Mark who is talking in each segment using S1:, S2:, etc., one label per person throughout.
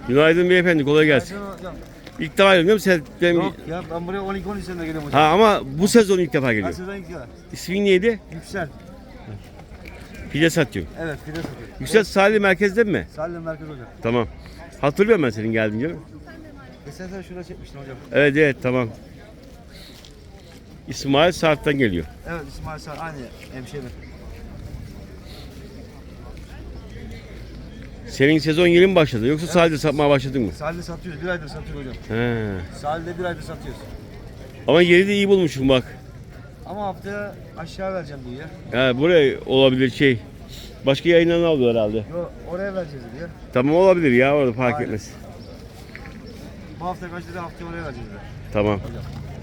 S1: Günaydın beyefendi, kolay gelsin.
S2: Hocam.
S1: İlk defa geliyorum sen.
S2: Yok ya ben buraya 12-13 senede geliyorum hocam.
S1: Ha ama bu sezon ilk defa
S2: Her
S1: geliyorum.
S2: sezon ilk ya.
S1: İsmin neydi?
S2: Yüksel.
S1: Pide satıyor.
S2: Evet pide satıyor.
S1: Yüksel Sahili merkezde mi?
S2: Salim Merkez hocam.
S1: Tamam. Hatırlıyorum ben senin geldiğin canım.
S2: Geçen sene şurada çekmiştin hocam.
S1: Evet evet tamam. İsmail Sarp'tan geliyor.
S2: Evet İsmail Sağ aynı hemşehri.
S1: Senin sezon yeni mi başladı yoksa sadece satmaya başladın mı?
S2: Sahilde satıyoruz. Bir aydır satıyoruz hocam.
S1: He.
S2: Sahilde bir aydır satıyoruz.
S1: Ama yeri de iyi bulmuşum bak.
S2: Ama haftaya aşağı vereceğim diyor ya.
S1: Ha, buraya olabilir şey. Başka yayından alıyor herhalde.
S2: Yo oraya vereceğiz diyor.
S1: Tamam olabilir ya orada fark
S2: Aynen.
S1: etmez.
S2: Bu hafta kaç dedi haftaya oraya vereceğiz diyor.
S1: Tamam.
S2: Hocam.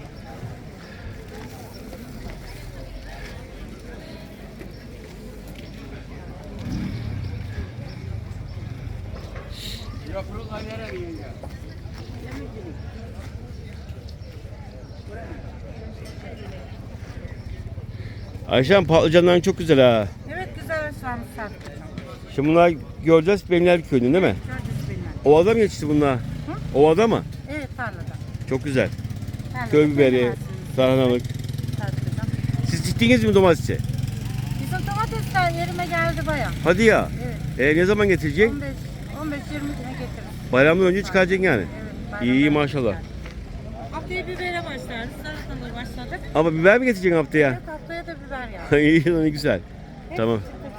S1: Ayşem patlıcanların çok güzel ha.
S3: Evet güzel ıslanmış sattık.
S1: Şimdi bunlar göreceğiz Benler köyünün değil mi?
S3: Gördünüz bilmem.
S1: Ovada mı yetişti bunlar? Ovada mı?
S3: Evet tarlada.
S1: Çok güzel.
S3: Tarlada
S1: Köy biberi,
S3: bilemezsiniz.
S1: tarhanalık.
S3: Tarladan.
S1: Siz diktiniz mi domatesi?
S3: Bizim domatesler yerime geldi baya.
S1: Hadi ya.
S3: Evet.
S1: Ne zaman getirecek?
S3: 15-20 güne getiririm.
S1: Bayramdan önce çıkaracaksın yani.
S3: Evet.
S1: İyi maşallah.
S3: Haftaya bibere başlarız. Salatalığa başladık.
S1: Ama biber mi getireceksin haftaya?
S3: Evet haftaya da biber ya.
S1: İyi ne güzel. Tamam.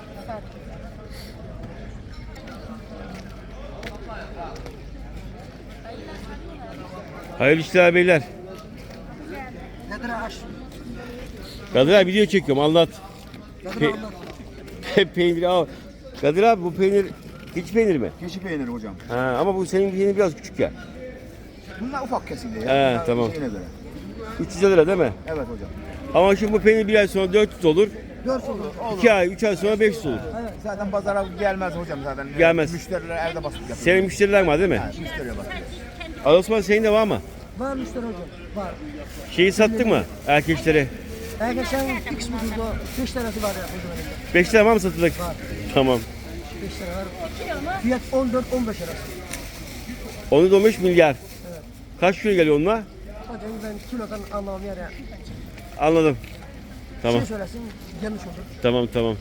S1: Hayırlı işler beyler.
S2: Nedir aş?
S1: Kadir abi video çekiyorum anlat.
S2: Nedir anlat?
S1: Peynir al. Kadir abi bu peynir hiç peynir mi?
S2: Keçi peyniri hocam.
S1: Ha, ama bu senin peynir biraz küçük ya.
S2: Bunlar ufak kesildi ya.
S1: He,
S2: Bunlar
S1: tamam.
S2: şeyine göre.
S1: 300 lira değil mi?
S2: Evet hocam.
S1: Ama şimdi bu peynir bir ay sonra 400 olur.
S2: 4 olur.
S1: 2 ay, 3 ay sonra 500 olur.
S2: Evet, zaten pazara gelmez hocam zaten.
S1: Gelmez.
S2: Müşteriler evde basıp yapıyor.
S1: Senin müşteriler var değil mi?
S2: Yani müşteriye basıp.
S1: Ali Osman senin de var mı?
S4: Var müşteri hocam, var.
S1: Şeyi sattık mı erkekleri?
S4: Geçen X müdürdü o, 5 tanesi var ya hocam elimde.
S1: 5 lira var mı satılık?
S4: Var.
S1: Tamam.
S4: 5 tane var. Fiyat 14-15 arası.
S1: Onu da 15 milyar. Kaç kilo geliyor onunla?
S4: Hocam ben kilodan anlamam yani.
S1: Anladım. Tamam.
S4: Şey söylesin, yanlış olur.
S1: Tamam tamam.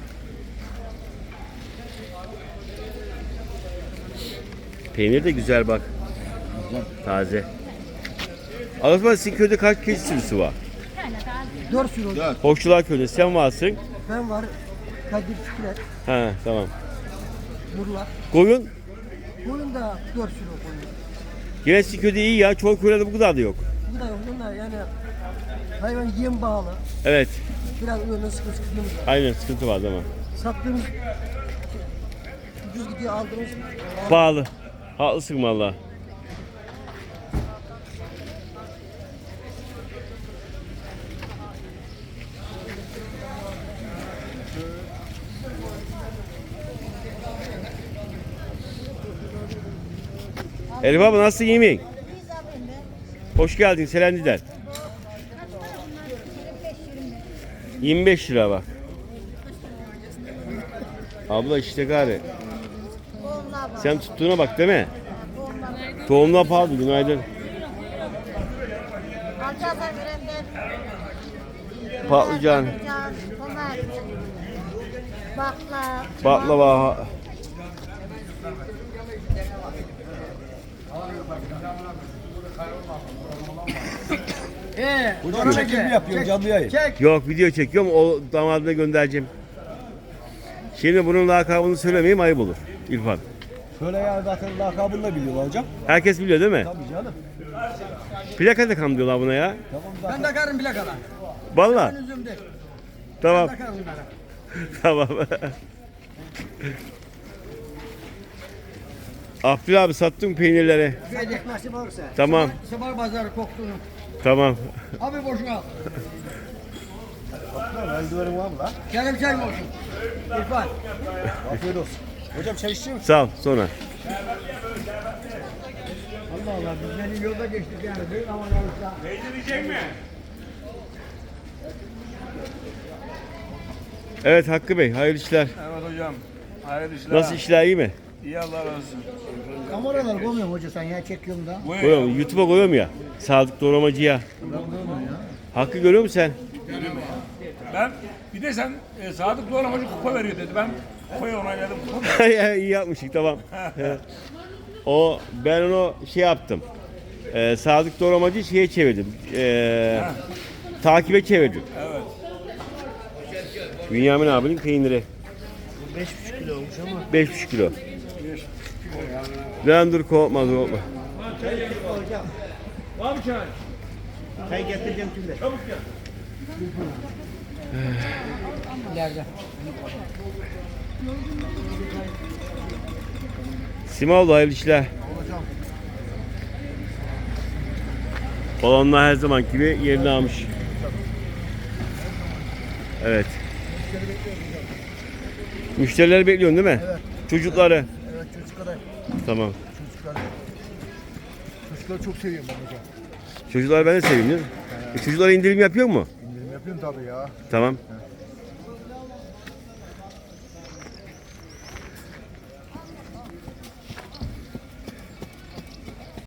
S1: Peynir de güzel bak. Taze. Ali Osman sizin köyde kaç keçi sürüsü var?
S4: 4 sürü hocam.
S1: Hoşçular köyünde sen varsın.
S4: Ben var, Kadir Fikret,
S1: Ha tamam.
S4: Nurlar.
S1: Koyun
S4: Boyun da 4 sürü koyuyor.
S1: yine sizin köyde iyi ya. Çoğu köylerde bu kadar da yok.
S4: Bu da yok, bunlar yani hayvan yem bağlı.
S1: Evet.
S4: Biraz öyle sıkıntımız var.
S1: Aynen sıkıntı var değil mi?
S4: Sattığımız ucuz gidiyor aldığımız
S1: Pahalı. Haklısın valla. Elif abla nasılsın iyi mi? Hoş geldin Selendi'den. 25 lira bak. Abla işte gari. Sen tuttuğuna bak değil mi? Tohumlar pahalı günaydın.
S3: Alçaklar birenden.
S1: Patlıcan, baklava.
S2: Hocam çekim mi yapıyorsun canlı yayın?
S1: Yok video çekiyorum o damadına göndereceğim. Şimdi bunun lakabını söylemeyeyim ayıp olur İrfan.
S2: Şöyle ya zaten lakabını da biliyorlar hocam.
S1: Herkes biliyor değil mi?
S2: Tabii canım.
S1: Plaka takam diyorlar buna ya.
S2: Tamam zaten.
S4: Ben takarım plakalar.
S1: Vallahi.
S4: Üzümde.
S1: Tamam.
S4: Takarım bunlara.
S1: Tamam. Abdül abi sattım peynirleri.
S4: Verecek nasip olursa.
S1: Tamam.
S4: Sabah pazarı koktuğunu.
S1: Tamam.
S4: Abi boşuna al.
S2: Eldivenim var mı lan?
S4: Yarım çay mı olsun? İrfan.
S2: Afiyet olsun. Hocam çay içiyor musun?
S1: Sağ ol sonra.
S4: Allah Allah biz beni yolda geçtik yani. Büyük aman olursa.
S1: Evet Hakkı Bey hayırlı işler.
S2: Evet hocam. Hayırlı işler.
S1: Nasıl işler iyi mi?
S5: İyi Allah razı olsun.
S4: Kameralar koymuyorum hoca sen ya çekiyorum da.
S1: Koyuyorum, YouTube'a koyuyorum ya. Sadık Doğramacı'ya. Hakkı görüyor musun sen?
S5: Ben bir de sen Sadık Doğramacı kupa veriyor dedi. Ben kupayı onayladım.
S1: İyi yapmışık, tamam. Ben onu şey yaptım. Sadık Doğramacı şeye çevirdim. Takibe çevirdim.
S5: Evet.
S1: Bünyamin abinin peyniri.
S2: 5,5 kilo olmuş ama.
S1: 5,5 kilo. Lan dur, korkma.
S2: Çay getireceğim şimdi.
S4: İleride.
S1: Simaoğlu, hayırlı işler. Balonlar her zaman gibi yerini almış. Evet. Müşterileri bekliyorsun değil mi?
S2: Evet.
S1: Çocukları.
S2: Evet çocuklar.
S1: Tamam.
S2: Çocukları çok seviyorum ben hocam.
S1: Çocuklar ben de seveyim değil mi? Çocuklara indirim yapıyor mu?
S2: İndirim yapıyorum tabii ya.
S1: Tamam.